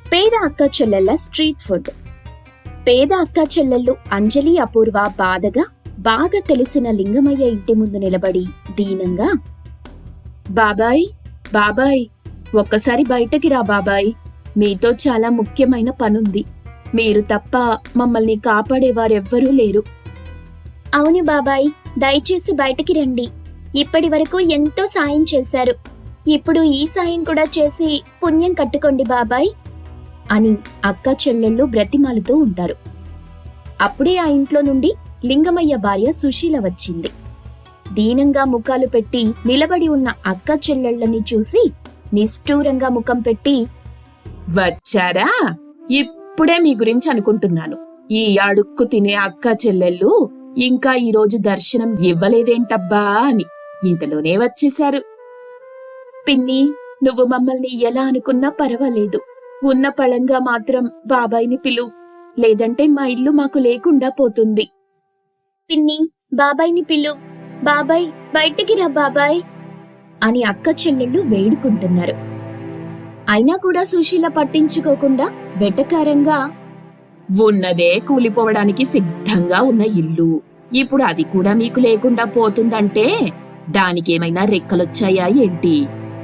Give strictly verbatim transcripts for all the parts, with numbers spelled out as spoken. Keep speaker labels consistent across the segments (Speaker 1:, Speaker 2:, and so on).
Speaker 1: పేద అక్క చెల్లెళ్ళ స్ట్రీట్ ఫుడ్. పేద అక్క చెల్లెళ్ళు అంజలి, అపూర్వ బాధగా బాగా తెలిసిన లింగమయ్య ఇంటి ముందు నిలబడి దీనంగా, బాబాయ్ బాబాయ్ ఒక్కసారి బయటకి రా బాబాయ్, మీతో చాలా ముఖ్యమైన పనుంది. మీరు తప్ప మమ్మల్ని కాపాడేవారెవ్వరూ లేరు. అవును బాబాయ్, దయచేసి బయటికి రండి. ఇప్పటి వరకు ఎంతో సాయం చేశారు. ఇప్పుడు ఈ సాయం కూడా చేసి పుణ్యం కట్టుకోండి బాబాయ్ అని అక్క చెల్లెళ్ళు బ్రతిమాలుతూ ఉంటారు. అప్పుడే ఆ ఇంట్లో నుండి లింగమయ్య భార్య సుశీల వచ్చింది. దీనంగా ముఖాలు పెట్టి నిలబడి ఉన్న అక్క చెల్లెళ్ళని చూసి నిష్ఠూరంగా ముఖం పెట్టి, వచ్చారా? ఇప్పుడే మీ గురించి అనుకుంటున్నాను. ఈ అడుక్కు తినే అక్క చెల్లెళ్ళు ఇంకా ఈరోజు దర్శనం ఇవ్వలేదేంటబ్బా అని ఇంతలోనే వచ్చేశారు. పిన్ని, నువ్వు మమ్మల్ని ఎలా అనుకున్నా పర్వాలేదు. ఉన్న పళంగా మాత్రం బాబాయిని పిలు, లేదంటే మా ఇల్లు మాకు లేకుండా పోతుంది. పిన్ని, బాబాయిని పిలు, బాబాయ్ బయటికి రా బాబాయ్ అని అక్క చెల్లెళ్ళు వేడుకుంటున్నారు. అయినా కూడా సుశీల పట్టించుకోకుండా వెటకారంగా, ఉన్నదే కూలిపోవడానికి సిద్ధంగా ఉన్న ఇల్లు ఇప్పుడు అది కూడా మీకు లేకుండా పోతుందంటే దానికేమైనా రెక్కలొచ్చాయా ఏంటి?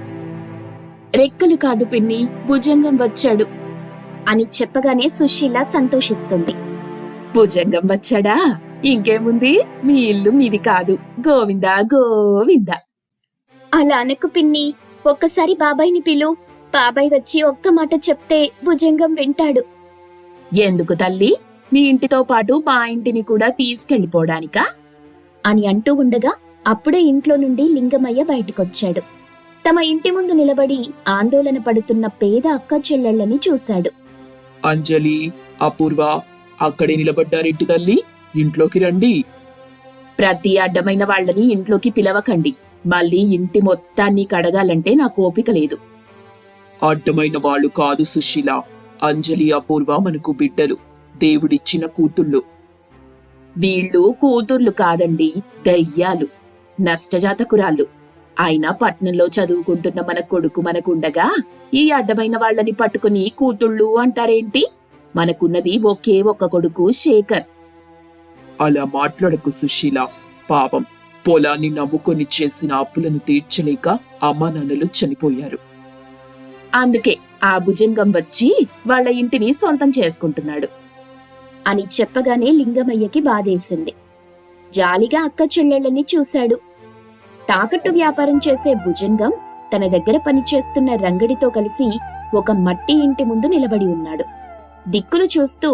Speaker 1: రెక్కలు కాదు పిన్ని, భుజంగం వచ్చాడు అని చెప్పగానే సుశీల సంతోషిస్తుంది. భుజంగం వచ్చాడా? ఇంకేముంది, మీ ఇల్లు మీది కాదు. గోవిందా గోవిందా. అలా అనకు పిన్ని, ఒక్కసారి బాబాయిని పిలు. బాబాయ్ వచ్చి ఒక్క మాట చెప్తే భుజంగం వింటాడు. ఎందుకు తల్లి? మీ ఇంటితో పాటు మా ఇంటిని కూడా తీసుకెళ్లిపోవడానికా అని అంటూ ఉండగా అప్పుడే ఇంట్లో నుండి లింగమయ్య బయటకొచ్చాడు. తమ ఇంటి ముందు నిలబడి ఆందోళన పడుతున్న పేద అక్క చెల్లెళ్ళని చూశాడు.
Speaker 2: అంజలి, అపూర్వ అక్కడే నిలబడ్డారెంటి తల్లి? ఇంట్లోకి రండి.
Speaker 1: ప్రతి అడ్డమైన వాళ్లని ఇంట్లోకి పిలవకండి. మళ్ళీ ఇంటి మొత్తాన్ని కడగాలంటే నాకు ఓపిక లేదు.
Speaker 2: అడ్డమైన వాళ్ళు కాదు సుశీల. అంజలి, అపూర్వ మనకు బిడ్డలు, దేవుడిచ్చిన కూతుళ్ళు.
Speaker 1: వీళ్ళు కూతుర్లు కాదండి, దయ్యాలు, నష్టజాతకురాళ్ళు. అయినా పట్నంలో చదువుకుంటున్న మన కొడుకు మనకుండగా ఈ అడ్డమైన వాళ్లని పట్టుకుని కూతుళ్ళు అంటారేంటి? మనకున్నది ఒకే ఒక్క కొడుకు, శేఖర్.
Speaker 2: అలా మాట్లాడకు సుశీల. పాపం, పొలాన్ని నమ్ముకొని చేసిన అప్పులను తీర్చలేక అమ్మా నాన్నలు చనిపోయారు.
Speaker 1: అందుకే ఆ భుజంగం వచ్చి వాళ్ల ఇంటిని సొంతం చేసుకుంటున్నాడు అని చెప్పగానే లింగమయ్యకి బాధేసింది. జాలిగా అక్క చెల్లెళ్ళని చూశాడు. తాకట్టు వ్యాపారం చేసే భుజంగం తన దగ్గర పనిచేస్తున్న రంగడితో కలిసి ఒక మట్టి ఇంటి ముందు నిలబడి ఉన్నాడు. దిక్కులు చూస్తూ,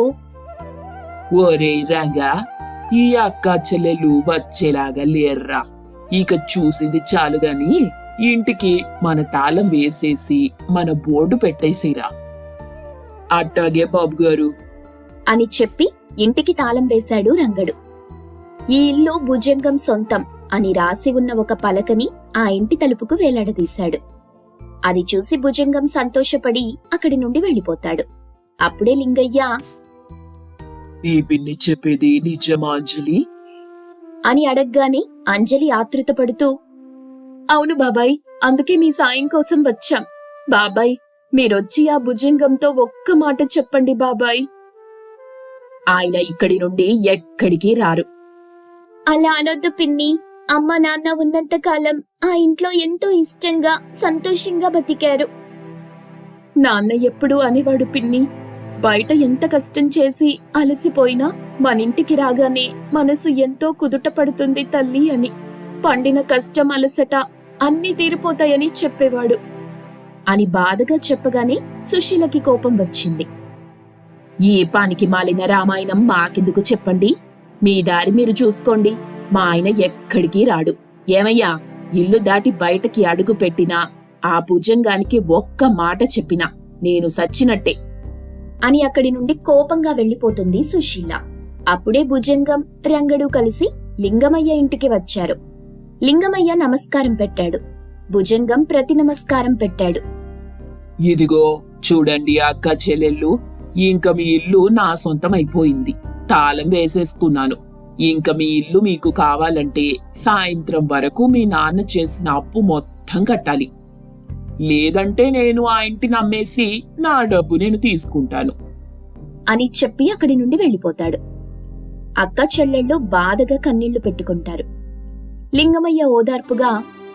Speaker 2: ఓరే రంగా, ఈ అక్క చెల్లెలు వచ్చేలాగా లేర్రా. ఇక చూసింది చాలు గాని ఇంటికి మన తాళం వేసేసి మన బోర్డు పెట్టేసిరా. అట్టాగే బాబు గారు
Speaker 1: అని చెప్పి ఇంటికి తాళం వేశాడు రంగడు. ఈ ఇల్లు భుజంగం సొంతం అని రాసి ఉన్న ఒక పలకని ఆ ఇంటి తలుపుకు వేలాడదీశాడు. అది చూసి భుజంగం సంతోషపడి అక్కడి నుండి వెళ్లిపోతాడు. అప్పుడే లింగయ్య,
Speaker 2: ఈ పిన్ని చెప్పేది నిజమా అంజలి
Speaker 1: అని అడగ్గానే అంజలి ఆతృత పడుతూ, అవును బాబాయ్, అందుకే మీ సాయం కోసం వచ్చాం. బాబాయ్, మీరొచ్చి ఆ భుజంగంతో ఒక్క మాట చెప్పండి బాబాయ్. ఆయన ఇక్కడి నుండి ఎక్కడికి రారు. అలా అనొద్దు పిన్ని. అమ్మ నాన్న ఉన్నంత కాలం ఆ ఇంట్లో ఎంతో ఇష్టంగా సంతోషంగా బతికారు. నాన్న ఎప్పుడు అనేవాడు పిన్ని, బయట ఎంత కష్టం చేసి అలసిపోయినా మనింటికి రాగానే మనసు ఎంతో కుదుట పడుతుంది తల్లి అని. పండిన కష్టం, అలసట అన్నీ తీరిపోతాయని చెప్పేవాడు అని బాధగా చెప్పగానే సుశీలకి కోపం వచ్చింది. ఈ పానికి మాలిన రామాయణం మాకెందుకు చెప్పండి? మీ దారి మీరు చూసుకోండి. మా ఆయన ఎక్కడికి రాడు. ఏమయ్యా, ఇల్లు దాటి బయటకి అడుగు పెట్టినా ఆ భుజంగానికి ఒక్క మాట చెప్పినా నేను సచ్చినట్టే అని అక్కడి నుండి కోపంగా వెళ్లిపోతుంది సుశీల. అప్పుడే భుజంగం, రంగడు కలిసి లింగమయ్య ఇంటికి వచ్చారు. లింగమయ్య నమస్కారం పెట్టాడు. భుజంగం ప్రతి నమస్కారం పెట్టాడు.
Speaker 2: ఇదిగో చూడండి అక్క చెల్లెళ్ళు, ఇంక మీ ఇల్లు నా సొంతం అయిపోయింది. తాళం వేసేసుకున్నాను. ఇంక మీ ఇల్లు మీకు కావాలంటే సాయంత్రం వరకు మీ నాన్న చేసిన అప్పు మొత్తం కట్టాలి. లేదంటే నేను ఆ ఇంటిని అమ్మేసి నా డబ్బు నేను తీసుకుంటాను.
Speaker 1: అని చెప్పి అక్కడి నుండి వెళ్ళిపోతాడు. అక్క చెల్లెళ్ళు బాధగా కన్నీళ్లు పెట్టుకుంటారు. లింగమయ్య ఓదార్పుగా,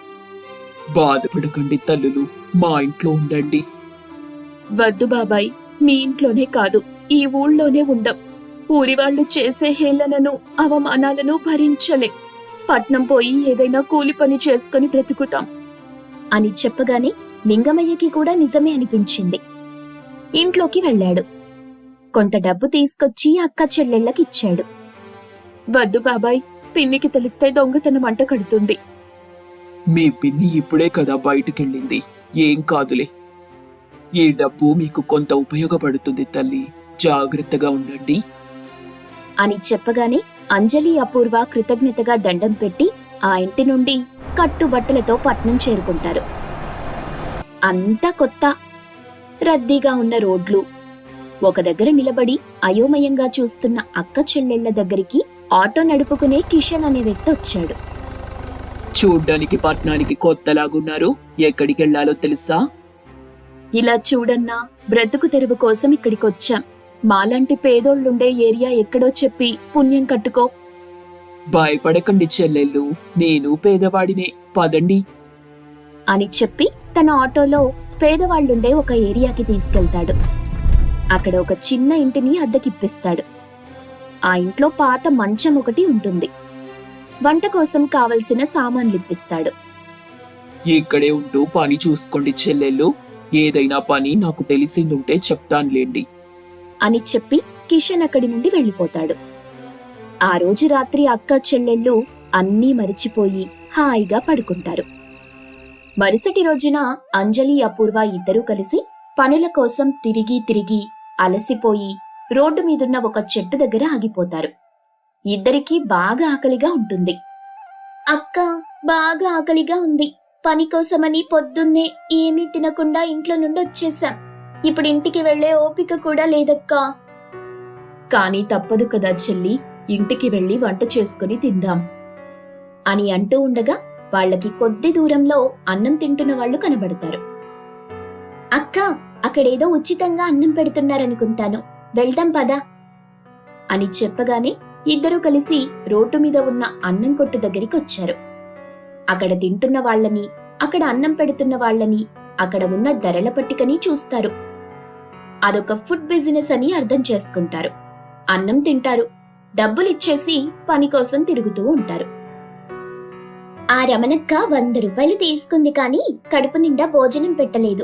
Speaker 2: బాధపడకండి తల్లులు, మా ఇంట్లో ఉండండి.
Speaker 1: వద్దు బాబాయ్, మీ ఇంట్లోనే కాదు ఈ ఊళ్ళోనే ఉండం. ఊరి వాళ్ళు చేసే హేళనను అవమానాలను భరించలేం. పట్నం పోయి ఏదైనా కూలి పని చేసుకుని బ్రతుకుతాం అని చెప్పగానే లింగమయ్యకి కూడా నిజమే అనిపించింది. ఇంట్లోకి వెళ్ళాడు. కొంత డబ్బు తీసుకొచ్చి అక్క చెల్లెళ్ళకిచ్చాడు. వద్దు బాబాయ్, పిన్నికి తెలిస్తే దొంగతనం అంట కడుతుంది.
Speaker 2: మీ పిన్ని ఇప్పుడే కదా బయటికెళ్ళింది, ఏం కాదులే. ఈ డబ్బు మీకు కొంత ఉపయోగపడుతుంది తల్లి, జాగ్రత్తగా ఉండండి
Speaker 1: అని చెప్పగానే అంజలి అపూర్వ కృతజ్ఞతగా దండం పెట్టి ఆ ఇంటి నుండి కట్టుబట్టలతో పట్నం చేరుకుంటారు. అంతా కొత్త, రద్దీగా ఉన్న రోడ్లు. ఒక దగ్గర నిలబడి అయోమయంగా చూస్తున్న అక్క చెల్లెళ్ల దగ్గరికి ఆటో నడుపుకునే కిషన్ అనే వ్యక్తి వచ్చాడు.
Speaker 2: చూడ్డానికి పట్నానికి కొత్తలాగున్నారు, ఎక్కడికెళ్లాలో తెలుసా?
Speaker 1: ఇలా చూడన్నా, బ్రతుకు తెరువు కోసం ఇక్కడికొచ్చాం. మాలాంటి పేదోళ్లుండే ఏరియా ఎక్కడో చెప్పి పుణ్యం కట్టుకో.
Speaker 2: భయపడకండి చెల్లెళ్ళు, నేను పేదవాడినే, పదండి
Speaker 1: అని చెప్పి తన ఆటోలో పేదవాళ్లుండే ఒక ఏరియాకి తీసుకెళ్తాడు. అక్కడ ఒక చిన్న ఇంటిని అద్దెకిప్పిస్తాడు. ఆ ఇంట్లో పాత మంచం ఒకటి ఉంటుంది. వంట కోసం కావలసిన సామాన్లిప్పిస్తాడు.
Speaker 2: ఇక్కడే ఉంటూ పని చూసుకోండి చెల్లెళ్ళు, ఏదైనా పని నాకు తెలిసిందుంటే చెప్తానులేండి
Speaker 1: అని చెప్పి కిషన్ అక్కడి నుండి వెళ్ళిపోతాడు. ఆ రోజు రాత్రి అక్క చెల్లెళ్ళు అన్నీ మరిచిపోయి హాయిగా పడుకుంటారు. మరుసటి రోజున అంజలి అపూర్వ ఇద్దరూ కలిసి పనుల కోసం తిరిగి తిరిగి అలసిపోయి రోడ్డు మీదున్న ఒక చెట్టు దగ్గర ఆగిపోతారు. ఇద్దరికీ బాగా ఆకలిగా ఉంటుంది. అక్క, బాగా ఆకలిగా ఉంది. పని కోసమని పొద్దున్నే ఏమీ తినకుండా ఇంట్లో నుండి వచ్చేశాం. ఇప్పుడు ఇంటికి వెళ్లే ఓపిక కూడా లేదక్కా. కానీ తప్పదు కదా చెల్లి, ఇంటికి వెళ్లి వంట చేసుకుని తిందాం అని అంటూ ఉండగా వాళ్లకి కొద్ది దూరంలో అన్నం తింటున్న వాళ్లు కనబడతారు. అక్క, అక్కడేదో ఉచితంగా అన్నం పెడుతున్నారనుకుంటాను, వెళ్దాం పదా అని చెప్పగానే ఇద్దరూ కలిసి రోడ్డు మీద ఉన్న అన్నం కొట్టు దగ్గరికి వచ్చారు. అక్కడ తింటున్న వాళ్లని, అక్కడ అన్నం పెడుతున్న వాళ్లని, అక్కడ ఉన్న ధరల పట్టికని చూస్తారు. అదొక ఫుడ్ బిజినెస్ అని అర్థం చేసుకుంటారు. అన్నం తింటారు, డబ్బులిచ్చేసి పని కోసం తిరుగుతూ ఉంటారు. ఆ రమణక్క వంద రూపాయలు తీసుకుంది కానీ కడుపు నిండా భోజనం పెట్టలేదు.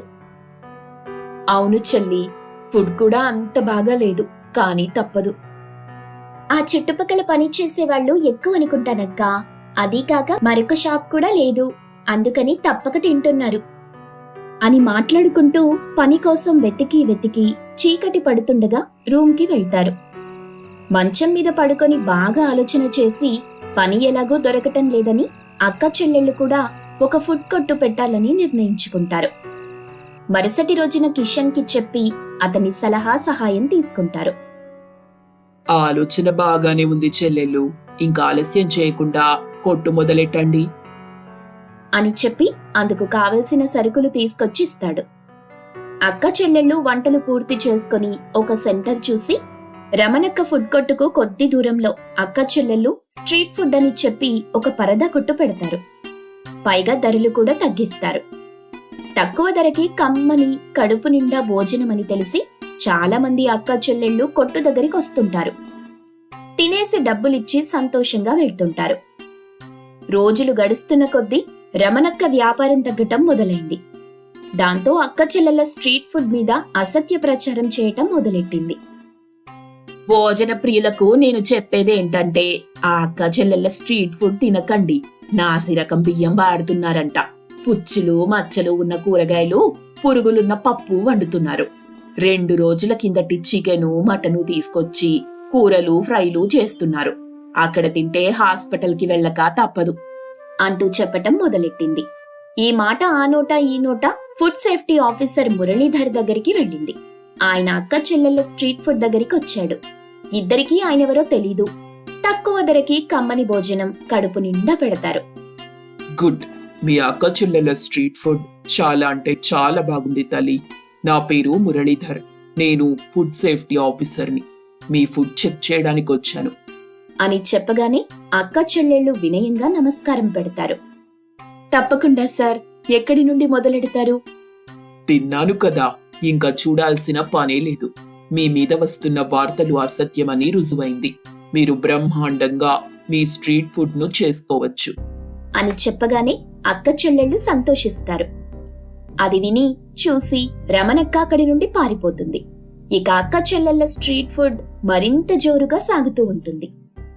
Speaker 1: అవును చెల్లి, ఫుడ్ కూడా అంత బాగా లేదు, కానీ తప్పదు. ఆ చుట్టుపక్కల పని చేసేవాళ్లు ఎక్కువ అనుకుంటానక్క. అదీ కాక మరొక షాప్ కూడా లేదు, అందుకని తప్పక తింటున్నారు అని మాట్లాడుకుంటూ పని కోసం వెతికి వెతికి చీకటి పడుతుండగా రూమ్కి వెళ్తారు. మంచం మీద పడుకొని బాగా ఆలోచన చేసి పని ఎలాగో దొరకటం లేదని అక్క చెల్లెళ్ళు కూడా ఒక ఫుడ్ కొట్టు పెట్టాలని నిర్ణయించుకుంటారు. మరుసటి రోజున కిషన్ కి చెప్పి అతని సలహా సహాయం తీసుకుంటారు.
Speaker 2: ఆలోచన బాగానే ఉంది చెల్లెళ్ళు, ఇంకా ఆలస్యం చేయకుండా కొట్టు మొదలెట్టండి
Speaker 1: అని చెప్పి అందుకు కావలసిన సరుకులు తీసుకొచ్చి ఇస్తాడు. అక్క చెల్లెళ్ళు వంటలు పూర్తి చేసుకుని ఒక సెంటర్ చూసి రమణక్క ఫుడ్ కొట్టుకు కొద్ది దూరంలో అక్క చెల్లెళ్ళు స్ట్రీట్ ఫుడ్ అని చెప్పి ఒక పరదా కొట్టు పెడతారు. పైగా ధరలు కూడా తగ్గిస్తారు. తక్కువ ధరకి కమ్మని కడుపు నిండా భోజనమని తెలిసి చాలా మంది అక్క చెల్లెళ్ళు కొట్టు దగ్గరికి వస్తుంటారు. తినేసి డబ్బులిచ్చి సంతోషంగా వెళ్తుంటారు. రోజులు గడుస్తున్న కొద్దీ రమణక్క వ్యాపారం తగ్గటం మొదలైంది. దాంతో అక్క చెల్లెళ్ళ స్ట్రీట్ ఫుడ్ మీద అసత్య ప్రచారం చేయటం మొదలెట్టింది. భోజన ప్రియులకు నేను చెప్పేదేంటంటే ఆ అక్క చెల్లెళ్ళ స్ట్రీట్ ఫుడ్ తినకండి. నాసిరకం బియ్యం వాడుతున్నారంట. పుచ్చులు మచ్చలు ఉన్న కూరగాయలు, పురుగులున్న పప్పు వండుతున్నారు. రెండు రోజుల కిందటి చికెను మటను తీసుకొచ్చి కూరలు ఫ్రైలు చేస్తున్నారు. అక్కడ తింటే హాస్పిటల్ కి వెళ్ళక తప్పదు అంటూ చెప్పటం మొదలెట్టింది. ఈ మాట ఆ నోట ఈ నోట ఫుడ్ సేఫ్టీ ఆఫీసర్ మురళీధర్ దగ్గరికి వెళ్ళింది. ఆయన అక్క చెల్లెళ్ళ స్ట్రీట్ ఫుడ్ దగ్గరికి వచ్చాడు. ఇద్దరికీ ఆయనెవరో తెలీదు. తక్కువ ధరకి కమ్మని భోజనం కడుపు నిండా పెడతారు.
Speaker 2: గుడ్, మీ అక్క చెల్లెల స్ట్రీట్ ఫుడ్ చాలా అంటే చాలా బాగుంది తల్లి. నా పేరు మురళీధర్. నేను ఫుడ్ సేఫ్టీ ఆఫీసర్ని. మీ ఫుడ్ చెక్ చేయడానికి వచ్చాను.
Speaker 1: అని చెప్పగానే అక్క చెల్లెళ్ళు వినయంగా నమస్కారం పెడతారు. తప్పకుండా సార్, ఎక్కడి నుండి మొదలెడతారు?
Speaker 2: తిన్నాను కదా, ఇంకా చూడాల్సిన పనే లేదు. మీ మీద వస్తున్న వార్తలు అసత్యమని రుజువైంది. మీరు బ్రహ్మాండంగా మీ స్ట్రీట్ ఫుడ్ ను చేసుకోవచ్చు
Speaker 1: అని చెప్పగానే అక్క చెల్లెళ్ళు సంతోషిస్తారు. అది విని చూసి రమణక్క అక్కడి నుండి పారిపోతుంది. ఇక అక్క చెల్లెళ్ళ స్ట్రీట్ ఫుడ్ మరింత జోరుగా సాగుతూ ఉంటుంది.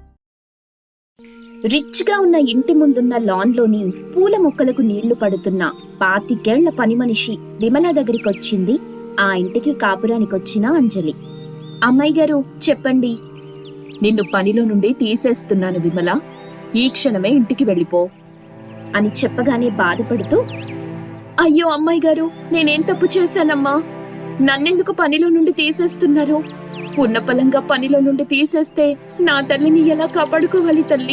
Speaker 1: రిచ్ గా ఉన్న ఇంటి ముందున్న లాన్ లోని పూల మొక్కలకు నీళ్లు పడుతున్న పాతికేళ్ల పని మనిషి విమల దగ్గరికొచ్చింది ఆ ఇంటికి కాపురానికొచ్చిన అంజలి. అమ్మాయి గారు చెప్పండి. నిన్ను పనిలో నుండి తీసేస్తున్నాను విమల, ఈ క్షణమే ఇంటికి వెళ్ళిపో అని చెప్పగానే బాధపడుతూ, అయ్యో అమ్మాయి గారు, నేనేం తప్పు చేశానమ్మా? నన్నెందుకు పనిలో నుండి తీసేస్తున్నారు? ఉన్నపలంగా పనిలో నుండి తీసేస్తే నా తల్లిని ఎలా కాపాడుకోవాలి తల్లి?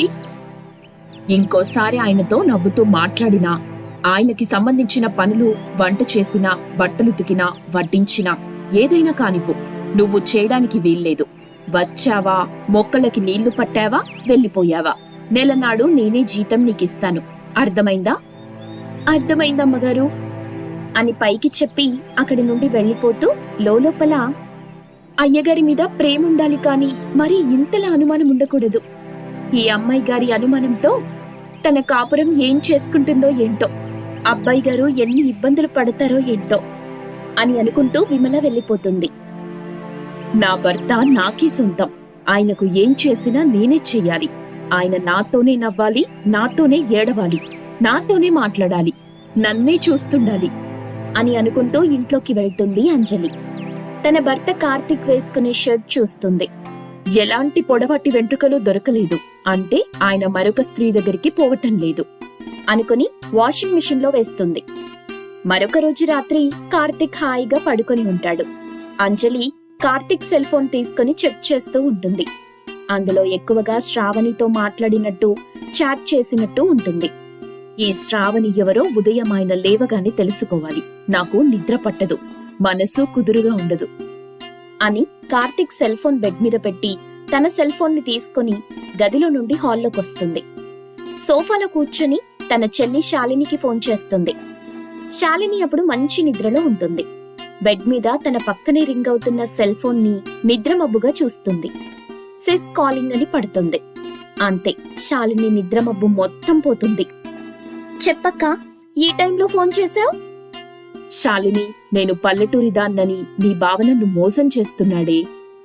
Speaker 1: ఇంకోసారి ఆయనతో నవ్వుతూ మాట్లాడినా, ఆయనకి సంబంధించిన పనులు వంట చేసినా, బట్టలు ఉతికినా, వడ్డించినా ఏదైనా కానివ్వు, నువ్వు చేయడానికి వీల్లేదు. వచ్చావా, మొక్కలకి నీళ్లు పట్టావా, వెళ్ళిపోయావా, నెలనాడు నేనే జీతం నీకిస్తాను. అర్థమైందా? అర్థమైందమ్మగారు అని పైకి చెప్పి అక్కడి నుండి వెళ్ళిపోతూ లోలోపల, అయ్యగారి మీద ప్రేముండాలి కాని మరి ఇంతలా అనుమానం ఉండకూడదు. ఈ అమ్మాయి గారి అనుమానంతో తన కాపురం ఏం చేసుకుంటుందో ఏంటో, అబ్బాయి గారు ఎన్ని ఇబ్బందులు పడతారో ఏంటో అని అనుకుంటూ విమల వెళ్ళిపోతుంది. నా భర్త నాకే సొంతం. ఆయనకు ఏం చేసినా నేనే చెయ్యాలి. ఆయన నాతోనే నవ్వాలి, నాతోనే ఏడవాలి, నాతోనే మాట్లాడాలి, నన్నే చూస్తుండాలి అని అనుకుంటూ ఇంట్లోకి వెళ్తుంది అంజలి. తన భర్త కార్తిక్ వేసుకునే షర్ట్ చూస్తుంది. ఎలాంటి పొడవాటి వెంట్రుకలు దొరకలేదు అంటే ఆయన మరొక స్త్రీ దగ్గరికి పోవటం లేదు అనుకుని వాషింగ్ మిషన్ లో వేస్తుంది. మరొక రోజు రాత్రి కార్తిక్ హాయిగా పడుకొని ఉంటాడు. అంజలి కార్తిక్ సెల్ ఫోన్ తీసుకుని చెక్ చేస్తూ ఉంటుంది. అందులో ఎక్కువగా శ్రావణితో మాట్లాడినట్టు, చాట్ చేసినట్టు ఉంటుంది. ఈ శ్రావణి ఎవరో ఉదయం ఆయన లేవగానే తెలుసుకోవాలి. నాకు నిద్ర పట్టదు, మనసు కుదురుగా ఉండదు అని కార్తిక్ సెల్ ఫోన్ బెడ్ మీద పెట్టి తన సెల్ ఫోన్ ని తీసుకుని గదిలో నుండి హాల్లోకొస్తుంది. సోఫాలో కూర్చొని తన చెల్లి శాలినికి ఫోన్ చేస్తుంది. శాలిని అప్పుడు మంచి నిద్రలో ఉంటుంది. బెడ్ మీద తన పక్కనే రింగ్ అవుతున్న సెల్ ఫోన్ ని నిద్రమబ్బుగా చూస్తుంది. సిస్ కాలింగ్ అని పడుతుంది. అంతే, శాలిని నిద్రమబ్బు మొత్తం పోతుంది. చెప్పక్క, ఈ టైంలో ఫోన్ చేశావు? శాలిని, నేను పల్లెటూరి దాన్నని నీ భావనను మోసం చేస్తున్నాడే.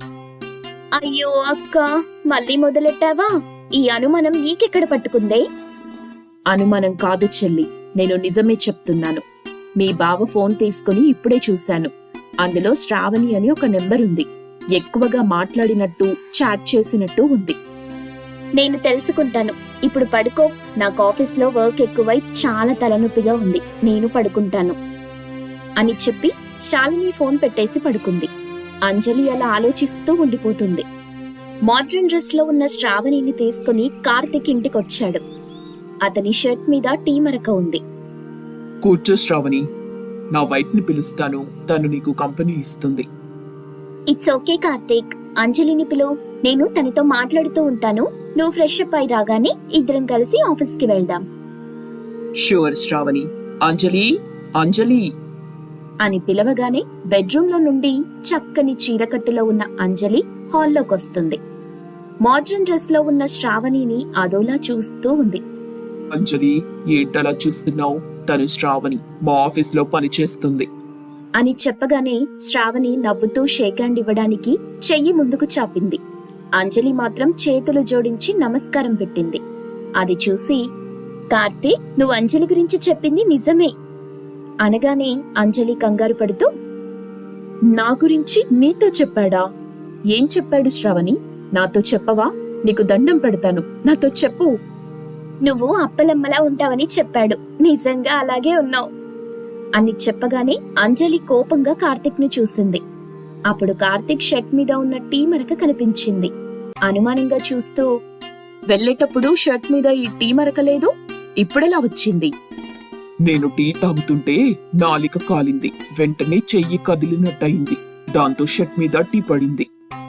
Speaker 1: అయ్యో అక్క, మళ్ళీ మొదలెట్టావా? ఈ అనుమానం నీకెక్కడ పట్టుకుందే? అనుమానం కాదు చెల్లి, నేను నిజమే చెప్తున్నాను. మీ బావ ఫోన్ తీసుకుని ఇప్పుడే చూశాను. అందులో శ్రావణి అని ఒక నెంబర్ ఉంది. ఎక్కువగా మాట్లాడినట్టు, చాట్ చేసినట్టు ఉంది. నేను తెలుసుకుంటాను. ఇప్పుడు పడుకో. నాకు ఆఫీస్లో వర్క్ ఎక్కువై చాలా తలనొప్పిగా ఉంది. నేను పడుకుంటాను అని చెప్పి శాలిని ఫోన్ పెట్టేసి పడుకుంది. అంజలి అలా ఆలోచిస్తూ ఉండిపోతుంది. మోడ్రన్ డ్రెస్ లో ఉన్న శ్రావణిని తీసుకుని కార్తిక్ ఇంటికొచ్చాడు. అతని షర్ట్ మీద టీ మరక ఉంది.
Speaker 2: కూర్చో శ్రావణి, నా వైఫ్ ని పిలుస్తాను, తను నీకు కంపెనీ ఇస్తుంది.
Speaker 1: ఇట్స్ ఓకే కార్తిక్, అంజలిని పిలు. నేను తనతో మాట్లాడుతూ ఉంటాను. నువ్వు ఫ్రెష్ అప్ అయి రాగానే ఇద్దరం కలిసి ఆఫీస్ కి వెళ్దాం.
Speaker 2: షూర్ శ్రావణి. అంజలి, అంజలి
Speaker 1: అని పిలవగానే బెడ్రూమ్ లో నుండి చక్కని చీరకట్టులో ఉన్న అంజలి హాల్లోకొస్తుంది. మోడ్రన్ డ్రెస్ లో ఉన్న శ్రావణిని అదోలా చూస్తూ ఉంది.
Speaker 2: అంజలి, ఏంటలా చూస్తున్నావు? తను శ్రావణి, మా ఆఫీస్ లో పనిచేస్తుంది
Speaker 1: అని చెప్పగానే శ్రావణి నవ్వుతూ షేక్ హ్యాండ్ ఇవ్వడానికి చెయ్యి ముందుకు చాపింది. అంజలి మాత్రం చేతులు జోడించి నమస్కారం పెట్టింది. అది చూసి, కార్తీక్, నువ్వు అంజలి గురించి చెప్పింది నిజమే అనగానే అంజలి కంగారు పడుతూ, నా గురించి నీతో చెప్పాడా? ఏం చెప్పాడు శ్రావణి? నాతో చెప్పవా? నీకు దండం పెడతాను, నాతో చెప్పు. నువ్వు అప్పలమ్మలా ఉంటావని చెప్పాడు. నిజంగా అలాగే ఉన్నావు అని చెప్పగానే అంజలి కోపంగా కార్తిక్ ను చూసింది. అప్పుడు కార్తిక్ షర్ట్ మీద ఉన్న టీ మరక కనిపించింది. అనుమానంగా చూస్తూ, వెళ్ళేటప్పుడు షర్ట్ మీద ఈ టీ మరక లేదు, ఇప్పుడెలా వచ్చింది?
Speaker 2: నేను టీ తాగుతుంటే నాలిక కాలింది. వెంటనే చెయ్యి కదిలినట్టయింది. దాంతో షర్ట్ మీద టీ పడింది.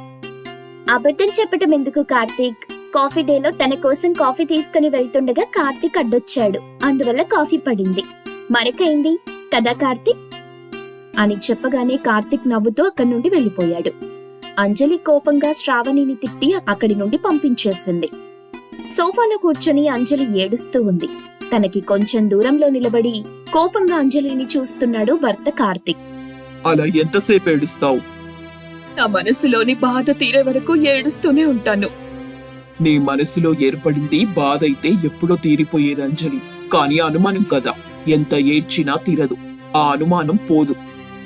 Speaker 1: అబద్ధం చెప్పటం ఎందుకు కార్తీక్? కాఫీ డేలో తన కోసం కాఫీ తీసుకుని వెళ్తుండగా కార్తీక్ అడ్డొచ్చాడు. అందువల్ల కాఫీ పడింది. మరకైంది కదా కార్తీక్ అని చెప్పగానే కార్తీక్ నవ్వుతూ అక్కడి నుండి వెళ్లిపోయాడు. అంజలి కోపంగా శ్రావణిని తిట్టి అక్కడి నుండి పంపించేసింది. సోఫాలో కూర్చొని అంజలి ఏడుస్తూ ఉంది. తనకి కొంచెం దూరంలో నిలబడి కోపంగా అంజలిని చూస్తున్నాడు భర్త కార్తీక్.
Speaker 2: అలా ఎంతసేపు ఏడుస్తావు?
Speaker 3: నా మనసులోని బాధ తీరే వరకు ఏడుస్తూనే ఉంటాను.
Speaker 2: నీ మనసులో ఏర్పడింది బాధ అయితే ఎప్పుడో తీరిపోయేది అంజలి. కానీ అనుమానం కదా, ఎంత ఏడ్చినా తీరదు. ఆ అనుమానం పోదు.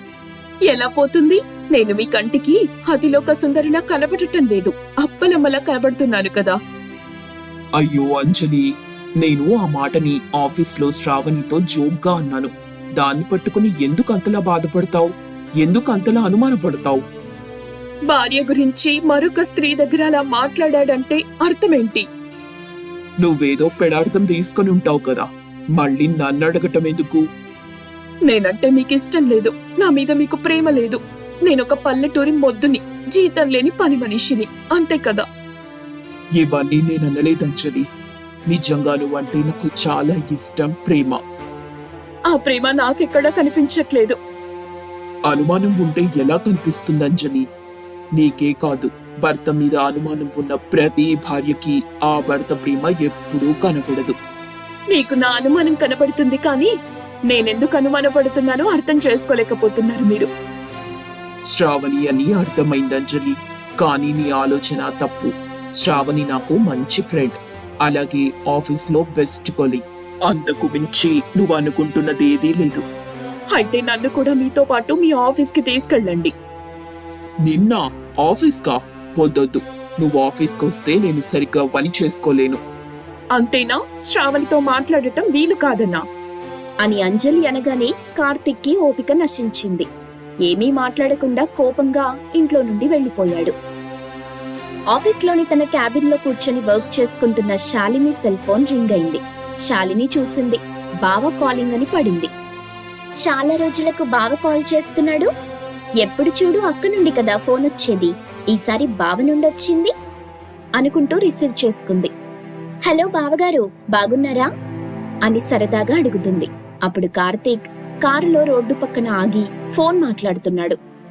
Speaker 3: ఎలా పోతుంది? నేను మీ కంటికి అతిలోక సుందరిలా కనబడటం లేదు, అప్పలమ్మలా కనబడుతున్నాను కదా.
Speaker 2: అయ్యో అంజలి, నేను ఆ మాటని ఆఫీస్లో శ్రావణితో జోక్గా అన్నాను. దాన్ని పట్టుకుని ఎందుకు అంతలా బాధపడతావు? ఎందుకు అంతలా అనుమానపడతావు?
Speaker 3: భార్య గురించి మరొక స్త్రీ దగ్గర అలా మాట్లాడాడంటే అర్థమేంటి?
Speaker 2: నువ్వేదో పెడార్థం తీసుకుని ఉంటావు కదా, మళ్ళీ నన్ను అడగటం ఎందుకు?
Speaker 3: నేనంటే మీకు ఇష్టం లేదు, నా మీద మీకు ప్రేమ లేదు. నేనొక పల్లెటూరి మొద్దుని, జీతం లేని పని మనిషిని, అంతే కదా.
Speaker 2: ఇవన్నీ నేను అనలేదంజలి. నిజంగా నువ్వంటే నాకు చాలా ఇష్టం, ప్రేమ.
Speaker 3: ఆ ప్రేమ నాకెక్కడా కనిపించట్లేదు.
Speaker 2: అనుమానం ఉంటే ఎలా కనిపిస్తుంది అంజలి? నీకే కాదు, భర్త మీద అనుమానం ఉన్న ప్రతి భార్యకి ఆ భర్త ప్రేమ ఎప్పుడూ కనబడదు.
Speaker 3: నీకు నా అనుమానం కనబడుతుంది, కానీ నేనెందుకు అనుమానపడుతున్నానో అర్థం చేసుకోలేకపోతున్నారు మీరు.
Speaker 2: శ్రావణి అని అర్థమైంది అంజలి, కానీ నీ ఆలోచన తప్పు. శ్రావణి నాకు మంచి ఫ్రెండ్, అలాగే ఆఫీస్ లో బెస్ట్ కొలీగ్. అంతకు మించి నువ్వు అనుకుంటున్నది ఏదీ లేదు.
Speaker 3: అయితే నన్ను కూడా మీతో పాటు మీ ఆఫీస్ కి తీసుకెళ్ళండి.
Speaker 2: నిన్న ఆఫీస్ కా? వద్దొద్దు. నువ్వు ఆఫీస్కి వస్తే నేను సరిగ్గా పని చేసుకోలేను.
Speaker 3: అంతేనా? శ్రావణితో మాట్లాడటం వీలు కాదన్నా
Speaker 1: అని అంజలి అనగానే కార్తీక్కి ఓపిక నశించింది. ఏమీ మాట్లాడకుండా కోపంగా ఇంట్లో నుండి వెళ్లిపోయాడు. ఆఫీస్లోని తన క్యాబిన్ లో కూర్చొని వర్క్ చేసుకుంటున్న శాలిని సెల్ ఫోన్ రింగ్ అయింది. శాలిని చూసింది. బావ కాలింగ్ అని పడింది. చాలా రోజులకు బావ కాల్ చేస్తున్నాడు. ఎప్పుడు చూడు అక్క నుండి కదా ఫోన్ వచ్చేది, ఈసారి బావ నుండి వచ్చింది అనుకుంటూ రిసీవ్ చేసుకుంది. హలో బావగారు, బాగున్నారా అని సరదాగా అడుగుతుంది. అప్పుడు కార్తీక్ కారులో రోడ్డు పక్కన ఆగి ఫోన్ మాట్లాడుతున్నాడు.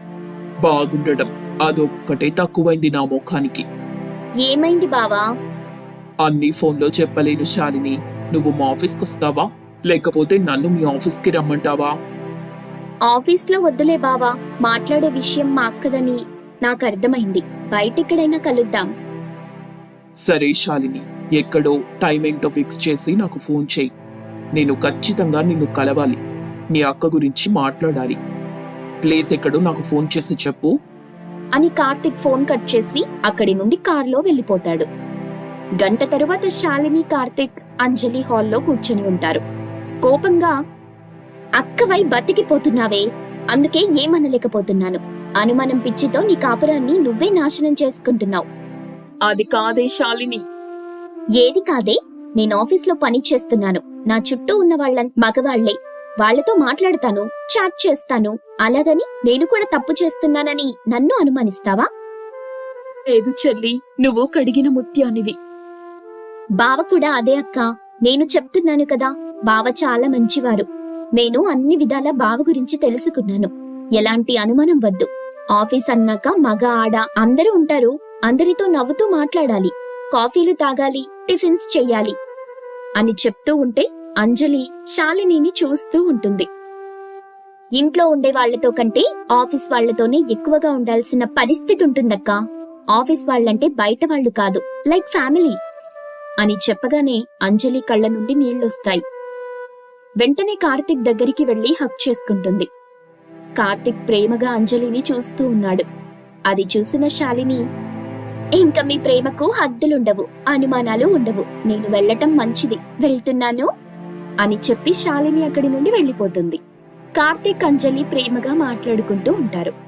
Speaker 2: బాగుండడం అదొక్కటే తక్కువైంది నా ముఖానికి.
Speaker 1: ఏమైంది బావా?
Speaker 2: అన్ని ఫోన్లో చెప్పలేను శాలిని. నువ్వు మా ఆఫీస్కి వస్తావా, లేకపోతే నన్ను మీ ఆఫీస్కి రమ్మంటావా?
Speaker 1: ఆఫీస్లో వద్దులే బావా, మాట్లాడే విషయం మా అక్కదని నాకు అర్థమైంది. బయటెక్కడైనా కలుద్దాం.
Speaker 2: సరే శాలిని, ఎక్కడో టైం ఏంటో ఫిక్స్ చేసి నాకు ఫోన్ చేయి. నేను ఖచ్చితంగా నిన్ను కలవాలి. నీ అక్క గురించి మాట్లాడాలి. ప్లేస్ ఎక్కడో నాకు ఫోన్ చేసి చెప్పు
Speaker 1: అని కార్తీక్ ఫోన్ కట్ చేసి అక్కడి నుండి కారులో వెళ్లిపోతాడు. గంట తరువాత శాలిని, కార్తీక్, అంజలి హాల్లో కూర్చొని ఉంటారు. కోపంగా, అక్కవై బతికిపోతున్నావే, అందుకే ఏమనలేకపోతున్నాను. అనుమానం పిచ్చితో నీ కాపురాన్ని నువ్వే నాశనం చేసుకుంటున్నావు.
Speaker 3: అది కాదే శాలిని.
Speaker 1: ఏది కాదే? నేను ఆఫీస్లో పని చేస్తున్నాను. నా చుట్టూ ఉన్న వాళ్ళ మగవాళ్లే. వాళ్లతో మాట్లాడతాను, చాట్ చేస్తాను. అలాగని నేను కూడా తప్పు చేస్తున్నానని నన్ను అనుమానిస్తావా?
Speaker 3: లేదు చెల్లి, నువ్వు కడిగిన ముత్యానివి.
Speaker 1: బావ కూడా అదే అక్క. నేను చెప్తున్నాను కదా, బావ చాలా మంచివారు. నేను అన్ని విధాల బావ గురించి తెలుసుకున్నాను. ఎలాంటి అనుమానం వద్దు. ఆఫీస్ అన్నాక మగ ఆడ అందరూ ఉంటారు. అందరితో నవ్వుతూ మాట్లాడాలి, కాఫీలు తాగాలి, టిఫిన్స్ చెయ్యాలి అని చెప్తూ ఉంటే అంజలి శాలినిని చూస్తూ ఉంటుంది. ఇంట్లో ఉండే వాళ్లతో కంటే ఆఫీస్ వాళ్లతోనే ఎక్కువగా ఉండాల్సిన పరిస్థితి ఉంటుందక్క. ఆఫీస్ వాళ్లంటే బయట వాళ్లు కాదు, లైక్ ఫ్యామిలీ అని చెప్పగానే అంజలి కళ్ళ నుండి నీళ్లొస్తాయి. వెంటనే కార్తీక్ దగ్గరికి వెళ్లి హక్ చేసుకుంటుంది. కార్తీక్ ప్రేమగా అంజలిని చూస్తూ ఉన్నాడు. అది చూసిన శాలిని, ఇంకా మీ ప్రేమకు హద్దులుండవు, అనుమానాలు ఉండవు. నేను వెళ్లటం మంచిది, వెళ్తున్నాను అని చెప్పి శాలిని అక్కడి నుండి వెళ్లిపోతుంది. కార్తీక్, అంజలి ప్రేమగా మాట్లాడుకుంటూ ఉంటారు.